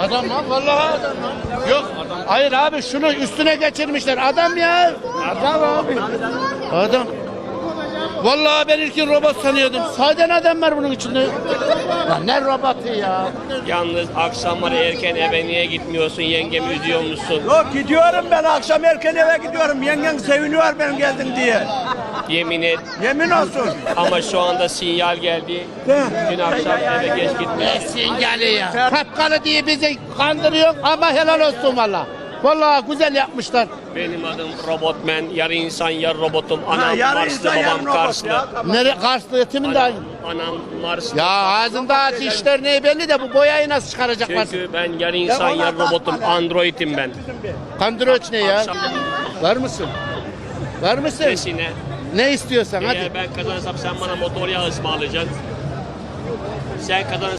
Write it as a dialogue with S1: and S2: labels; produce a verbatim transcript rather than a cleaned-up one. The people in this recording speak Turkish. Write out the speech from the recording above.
S1: Adam lan vallahi adam lan. Yok. Hayır abi şunu üstüne geçirmişler. Adam ya. Adam abi. Adam. Vallahi ben ilkin robot sanıyordum. Sade adam var bunun içinde. Lan ne robotu ya?
S2: Yalnız akşamları erken eve niye gitmiyorsun? Yengemi üzüyor musun?
S3: Yok gidiyorum ben akşam erken eve gidiyorum. Yengen seviniyor ben geldim diye.
S2: Yemin et.
S3: Yemin olsun.
S2: Ama şu anda sinyal geldi. Dün akşam eve geç gitmiş.
S1: Ne sinyali ya? Kapkalı diye bizi kandırıyor ama helal olsun valla. Vallahi güzel yapmışlar.
S2: Benim adım Robotman. Yarı insan yarı robotum. Anam
S3: Ha, yarı
S2: Marslı,
S3: insan, yarı
S2: babam
S3: robot
S2: Karslı.
S3: ya.
S1: Nere Karslı yetimin de aynı.
S2: Anam Marslı.
S1: Ya ağzında dişler ne belli de bu boyayı nasıl çıkaracaklar?
S2: Çünkü ben yarı insan
S3: Ya
S2: yarı
S3: ona
S2: robotum.
S3: bakma lan.
S2: Android'im ben.
S1: Kandroç ne ya?
S2: Akşam
S1: Var mısın? Var mısın?
S2: nesine?
S1: Ne istiyorsan hadi.
S2: Eğer ben kazanırsam sen bana motor yağı ısmarlayacaksın. Sen kazanırsan